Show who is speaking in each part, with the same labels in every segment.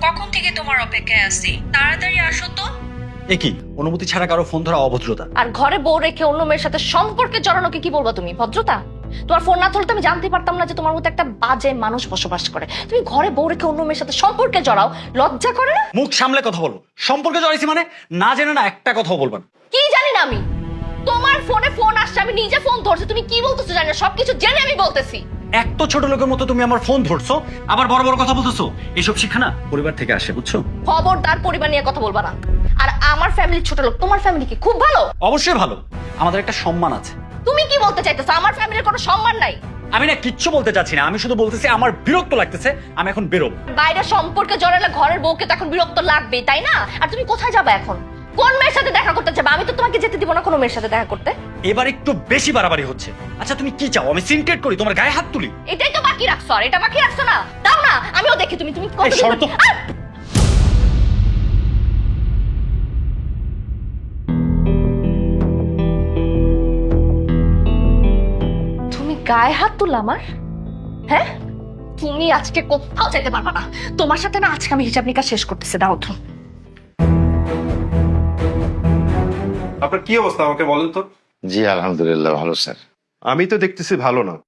Speaker 1: কখন থেকে তোমার অপেক্ষায় আছি, তাড়াতাড়ি আসো তো।
Speaker 2: এ কি অনুমতি ছাড়া কারো ফোন ধরা অভদ্রতা?
Speaker 3: আর ঘরে বউ রেখে অন্য মেয়ের সাথে সম্পর্কে জড়ানোকে কি বলবা তুমি? ভদ্রতা? তোমার ফোন না ধরলে তো আমি জানতে পারতাম না যে তোমার মতো একটা বাজে মানুষ বসবাস করে। তুমি ঘরে বউ রেখে অন্য মেয়ের সাথে সম্পর্কে জড়াও, লজ্জা করে না?
Speaker 2: মুখ সামলে কথা বলো। সম্পর্কে জড়াইছি মানে না জেনে না একটা কথাও বলবা না।
Speaker 3: কি জানি না আমি? তোমার ফোনে ফোন আসছে, আমি নিজে ফোন ধরছি, তুমি কি বলতেছো জানি না, সবকিছু জেনে আমি বলতেছি।
Speaker 2: এক তো ছোট লোকের মতো তুমি আমার ফোন ধরছো, আবার বড় বড় কথা বলতেছো। এইসব শিক্ষা না পরিবার থেকে আসে, বুঝছো?
Speaker 3: খবরদার পরিবার নিয়ে কথা বলবা না। আর আমার ফ্যামিলি ছোট লোক, তোমার ফ্যামিলি কি খুব ভালো?
Speaker 2: অবশ্যই ভালো, আমাদের একটা সম্মান আছে।
Speaker 3: তুমি কি বলতে চাইতেছো আমার ফ্যামিলির কোনো সম্মান নাই?
Speaker 2: আমি না কিচ্ছু বলতে চাচ্ছি না, আমি শুধু বলতেছি আমার বিরক্ত লাগতেছে, আমি এখন বেরোবো।
Speaker 3: বাইরে সম্পর্কে জড়ালে ঘরের বউকে তো এখন বিরক্ত লাগবেই, তাই না? আর তুমি কোথায় যাবে এখন? কোন মেয়ের সাথে দেখা করতে যাবে? আমি তো তোমাকে যেতে দিব না কোনো মেয়ের সাথে দেখা করতে।
Speaker 2: এবার একটু বেশি বাড়াবাড়ি হচ্ছে। আচ্ছা তুমি কি চাও, আমি সিনক্রেট করি, তোমার গায়ে হাত তুলি?
Speaker 3: এটাই তো বাকি রাখছো, আর এটা বাকি রাখছো না? দাও না, আমিও দেখি তুমি তুমি কত
Speaker 2: এই সরো তো।
Speaker 3: আহ! তুমি গায়ে হাত তুললা আমার? হ্যাঁ, তুমি আজকে কোথাও যেতে পারবা না। তোমার সাথে না আজকে আমি হিসাব নিকাশ শেষ করতেছি। দাও তো।
Speaker 4: আপনার কি অবস্থা আমাকে বলেন তো?
Speaker 5: জি আলহামদুলিল্লাহ ভালো স্যার।
Speaker 4: আমি তো দেখতেছি ভালো না,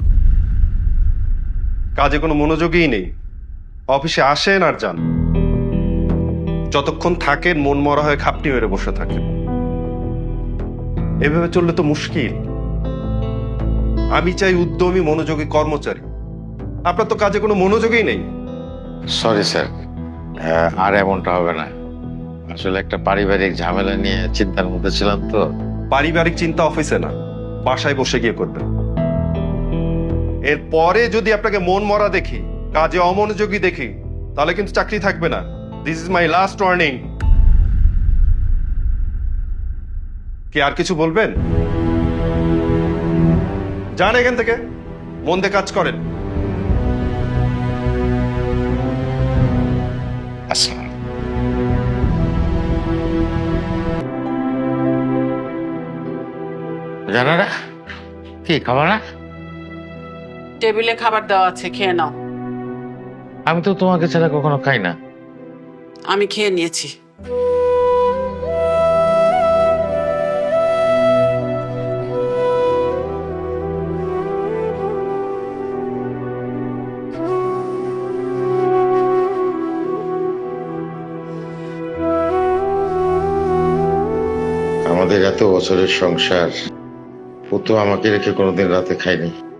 Speaker 4: কাজে কোনো মনোযোগই নেই। অফিসে আসেন আর যান, যতক্ষণ থাকেন মন মরা হয়ে খাপটি মেরে বসে থাকেন। এভাবে চললে তো মুশকিল। আমি চাই উদ্যমী মনোযোগী কর্মচারী। আপনার তো কাজে কোনো মনোযোগই নেই।
Speaker 5: সরি স্যার, আর এমনটা হবে না। আসলে একটা পারিবারিক ঝামেলা নিয়ে চিন্তার মধ্যে ছিলাম তো।
Speaker 4: পারিবারিক চিন্তা অফিসে না, বাসায় বসে গিয়ে করবেন। এরপরে যদি আপনাকে মন মরা দেখি, কাজে অমনোযোগী দেখি, তাহলে কিন্তু চাকরি থাকবে না। This is my last warning. কি আর কিছু বলবেন? যান এখান থেকে, মন দিয়ে কাজ করেন।
Speaker 5: আসসালাম। জানো না কি খাবার না?
Speaker 6: টেবিলে খাবার দেওয়া আছে, খেয়ে নাও।
Speaker 5: আমি তো তোমাকে ছাড়া কখনো খাই না।
Speaker 6: আমি খেয়ে নিয়েছি।
Speaker 5: আমাদের এত বছরের সংসার, ও তো আমাকে রেখে কোনোদিন রাতে খায়নি।